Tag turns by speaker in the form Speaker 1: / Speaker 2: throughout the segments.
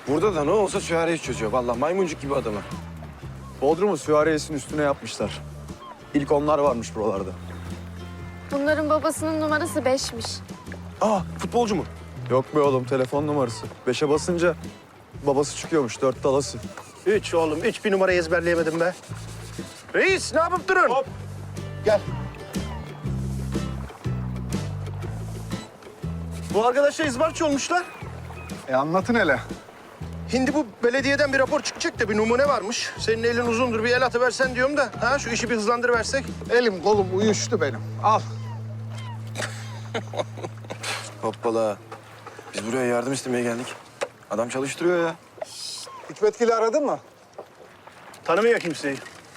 Speaker 1: Burada da ne olsa süvariyi çözüyor. Vallahi maymuncuk gibi adamı.
Speaker 2: Bodrum'u süvariyesinin üstüne yapmışlar. İlk onlar varmış buralarda.
Speaker 3: Bunların babasının numarası 5'miş.
Speaker 1: Aa, futbolcu mu?
Speaker 2: Yok be oğlum, telefon numarası. 5'e basınca babası çıkıyormuş, 4 dalası.
Speaker 4: 3 oğlum, 3 bir numara ezberleyemedim be. Reis, ne yapıp durun? Hop. Gel. Bu arkadaşlar izbarçı olmuşlar.
Speaker 2: Anlatın hele.
Speaker 4: Şimdi bu belediyeden bir rapor çıkacak da bir numune varmış. Senin elin uzundur, bir el atıversen diyorum da. Ha, şu işi bir hızlandırıversek.
Speaker 5: Elim kolum uyuştu benim. Al.
Speaker 1: Hoppala. Biz buraya yardım istemeye geldik. Adam çalıştırıyor ya.
Speaker 5: Hikmetgil'i aradın mı?
Speaker 4: Tanımıyor kimseyi.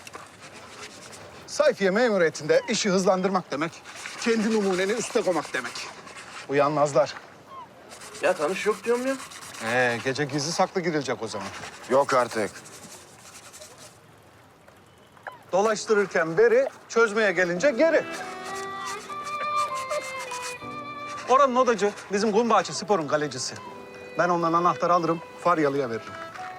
Speaker 5: Sayfiye memuriyetinde işi hızlandırmak demek, kendi numuneni üste koymak demek. Uyanmazlar.
Speaker 4: Ya tanış yok diyorum ya.
Speaker 5: Gece gizli saklı girilecek o zaman.
Speaker 1: Yok artık.
Speaker 5: Dolaştırırken beri, çözmeye gelince geri. Oranın odacı, bizim Kumbağaçı Spor'un kalecisi. Ben ondan anahtarı alırım, Faryalı'ya veririm.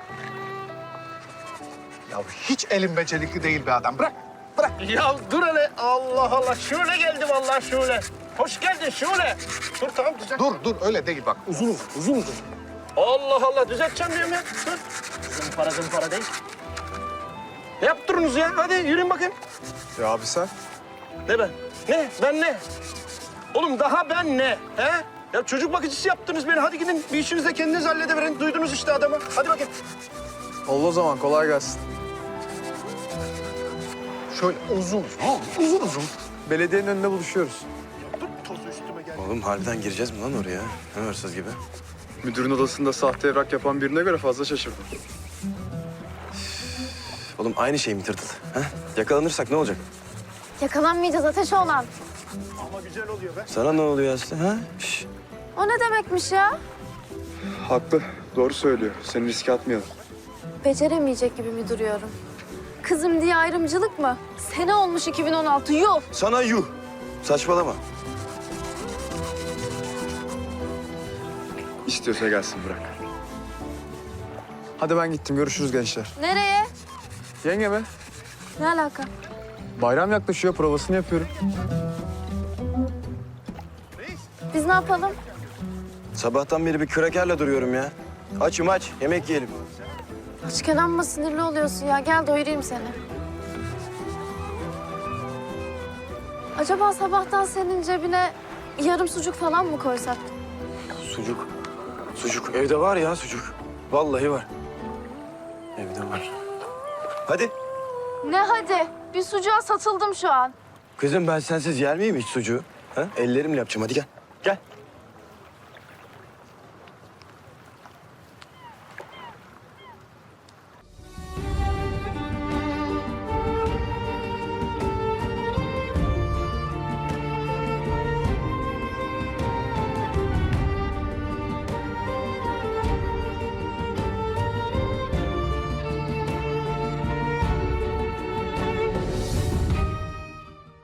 Speaker 5: Ya hiç elin becerikli değil be adam. Bırak, bırak.
Speaker 4: Ya dur hele. Allah Allah. Şöyle geldi vallahi şöyle. Hoş geldin şöyle. Dur tamam düzelt.
Speaker 5: Dur, öyle değil bak. Uzun uzun, uzun uzun.
Speaker 4: Allah Allah düzelteceğim diyorum ya. Dur. Zımpara değil. Ne yaptırınız ya? Hadi yürüyün bakayım.
Speaker 2: Ya abi sen?
Speaker 4: Ne ben? Ne? Ben ne? Oğlum daha ben ne? He? Ya çocuk bakıcısı yaptınız beni. Hadi gidin bir işinizi de kendiniz hallediverin. Duydunuz işte adamı. Hadi bakayım.
Speaker 2: Oldu o zaman, kolay gelsin.
Speaker 5: Şöyle uzun, uzun uzun.
Speaker 2: Belediyenin önünde buluşuyoruz.
Speaker 4: Dur tozu üstüme gel.
Speaker 1: Oğlum harbiden gireceğiz mi lan oraya? Ne hırsız gibi.
Speaker 2: Müdürün odasında sahte evrak yapan birine göre fazla şaşırdım.
Speaker 1: Oğlum aynı şey mi tırtıl? Ha? Yakalanırsak ne olacak?
Speaker 3: Yakalanmayacağız ateş olan.
Speaker 4: Ama güzel oluyor be.
Speaker 1: Sana ne oluyor Aslı? Ha? Şş.
Speaker 3: O ne demekmiş ya?
Speaker 2: Haklı, doğru söylüyor. Seni riske atmayalım.
Speaker 3: Beceremeyecek gibi mi duruyorum? Kızım diye ayrımcılık mı? Sene olmuş 2016, yuh!
Speaker 1: Sana yuh. Saçmalama.
Speaker 2: İstiyorsa gelsin, bırak. Hadi ben gittim, görüşürüz gençler.
Speaker 3: Nereye?
Speaker 2: Yenge mi?
Speaker 3: Ne alaka?
Speaker 2: Bayram yaklaşıyor, provasını yapıyorum.
Speaker 3: Biz ne yapalım?
Speaker 1: Sabahtan beri bir kürekerle duruyorum ya. Açım aç, yemek yiyelim.
Speaker 3: Açken amma sinirli oluyorsun ya. Gel doyurayım seni. Acaba sabahtan senin cebine yarım sucuk falan mı koysak?
Speaker 1: Sucuk. Sucuk. Evde var ya sucuk. Vallahi var. Evde var. Hadi.
Speaker 3: Ne hadi? Bir sucuğa satıldım şu an.
Speaker 1: Kızım ben sensiz yer miyim hiç sucuğu? Ha? Ellerimle yapacağım. Hadi gel.